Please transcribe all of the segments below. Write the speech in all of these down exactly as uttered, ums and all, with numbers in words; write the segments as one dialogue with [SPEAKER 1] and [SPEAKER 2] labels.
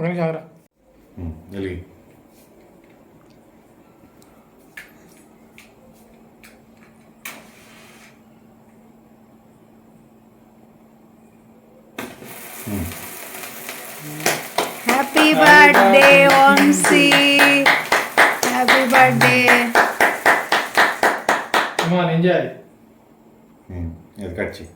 [SPEAKER 1] ఒక నిమిషం ఆగరా.
[SPEAKER 2] వెలిగి
[SPEAKER 3] happy birthday Vamshi, happy birthday.
[SPEAKER 1] అమ్మా నేను చేయాలి.
[SPEAKER 2] అది కట్ చేయి.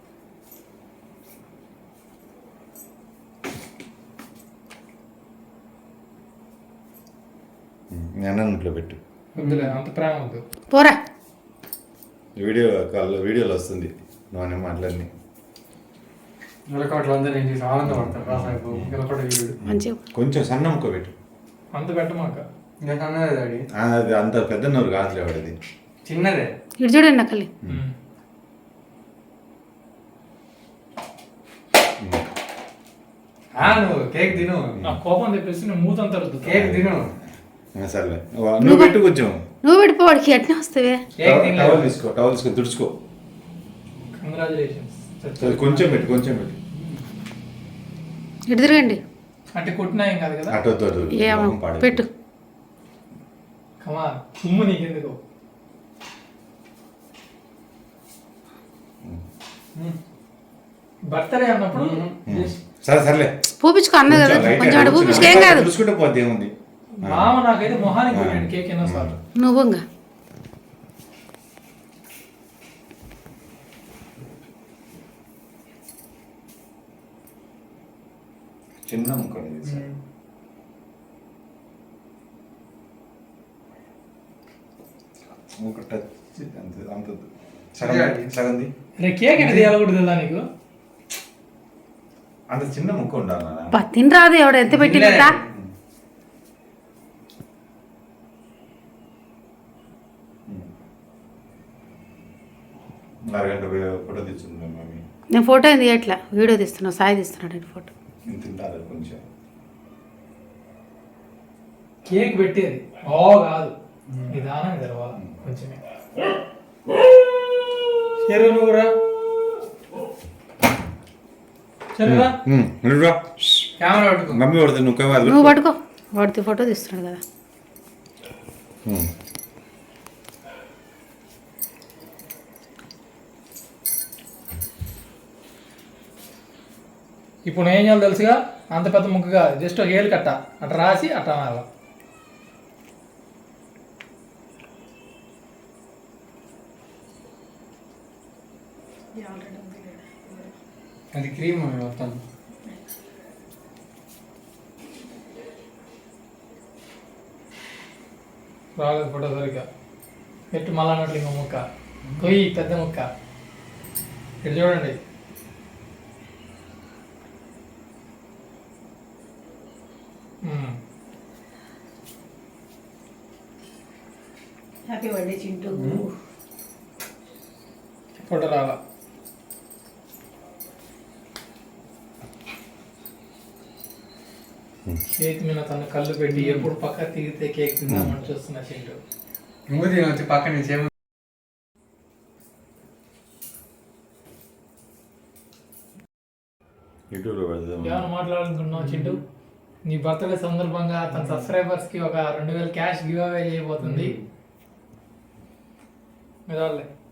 [SPEAKER 2] అన్నంట్లో పెట్టు.
[SPEAKER 1] వద్దులే అంత ప్రేమ వద్దు.
[SPEAKER 3] పోరా
[SPEAKER 2] వీడియో కాల్ వీడియోలో వస్తుంది నువ్వు మాట్లాడి
[SPEAKER 1] నిలకట్లు అందరూ ఏం చేసి ఆనందపడతారు. రాసాపు నిలకడ వీడు
[SPEAKER 3] మంచిగా
[SPEAKER 2] కొంచెం సన్న ముక్క పెట్టు.
[SPEAKER 1] అంత పెట్టమాక. ఇంకా అన్నదే డాడీ.
[SPEAKER 2] అది అంత పెద్ద నోరు కాదులే వాడది,
[SPEAKER 1] చిన్నదే.
[SPEAKER 3] ఇటు చూడండి నకలి.
[SPEAKER 1] నువ్వు కేక్ తిను. నా కోపం తెప్పేసి నువ్వు మూతంతా కేక్ తిను.
[SPEAKER 2] సర్లే నువ్వు పెట్టు కొంచెం.
[SPEAKER 3] నువ్వు పెట్టిపోవాడికి ఎట్లా వస్తావే.
[SPEAKER 2] టవల్ తీసుకో, టవల్ తీసుకో, తుడుచుకో.
[SPEAKER 1] కంగ్రాచులేషన్స్.
[SPEAKER 2] కొంచెం పెట్టు, కొంచెం పెట్టు.
[SPEAKER 3] ఇటు తిరగండి.
[SPEAKER 1] అంటే కొట్టినా ఏం కాదు కదా.
[SPEAKER 2] అటు
[SPEAKER 3] ఏమో పెట్టు.
[SPEAKER 1] కమా తుమ్ము నీకెందుకు. బర్త్డే అన్నప్పుడు
[SPEAKER 2] సరే సర్లే
[SPEAKER 3] పూపించుకో అన్న కదా, కొంచెం అటు పూపించుకో, ఏం కాదు.
[SPEAKER 2] తుడుచుకుంటే పోతే ఏముంది.
[SPEAKER 1] మామ నాకైతే మొహానికి కొట్టాడు కేక్ ఎన్నో సార్లు.
[SPEAKER 3] నువ్వు ఇంకా
[SPEAKER 2] చిన్న ముక్క సగంది.
[SPEAKER 1] కేక్ అనేది తీయాలకూడదు నీకు.
[SPEAKER 2] అంత చిన్న ముక్క ఉండాలి.
[SPEAKER 3] తిని రాదు ఎవడు ఎంత పెట్టిందా.
[SPEAKER 2] అరగంట ఫోటో తెచ్చుకుందాం మమ్మీ.
[SPEAKER 3] నేను ఫోటో ఏం తీయట్లా, వీడియో తీస్తున్నా. సాయి తీస్తున్నాడు నేను ఫోటో.
[SPEAKER 2] తింటారు కొంచెం.
[SPEAKER 1] కేక్ పెట్టేది ఓ కాదు, నిదానం తెరవాలి కొంచెమే. చెరువు నువ్వు రా. చెరువురా కెమెరా పట్టుకో.
[SPEAKER 2] మమ్మీ పడుతుంది, నువ్వు
[SPEAKER 3] నువ్వు పట్టుకో. వాడితే ఫోటో తీస్తున్నాడు కదా.
[SPEAKER 1] ఇప్పుడు ఏం చేయాలి తెలుసుగా, అంత పెద్ద ముక్కగా జస్ట్ ఒక ఏలు కట్ట అట్లా రాసి అట్లా అనాలి. అది క్రీమ్ మొత్తం రాలేదు ఫోటో సరిగ్గా. ఎట్టు మళ్ళా అన్నట్లు ఇంకో ముక్క కొయ్యి, పెద్ద ముక్క. ఇటు చూడండి.
[SPEAKER 3] Happy birthday Chintu.
[SPEAKER 1] ఫోటో రాలా. కేక్ మీద తన కళ్ళు పెట్టి ఎప్పుడు పక్క తిరిగితే కేక్ తిందామని చూస్తున్నా చింటూ. నువ్వు తినొచ్చి పక్క నుంచి ఏమో. ఏమైనా మాట్లాడాలనుకున్నావు చింటూ? నీ బర్త్డే సందర్భంగా తన సబ్స్క్రైబర్స్ కి ఒక రెండు వేల క్యాష్ గివ్ అవే చేయబోతుంది. మీదాలే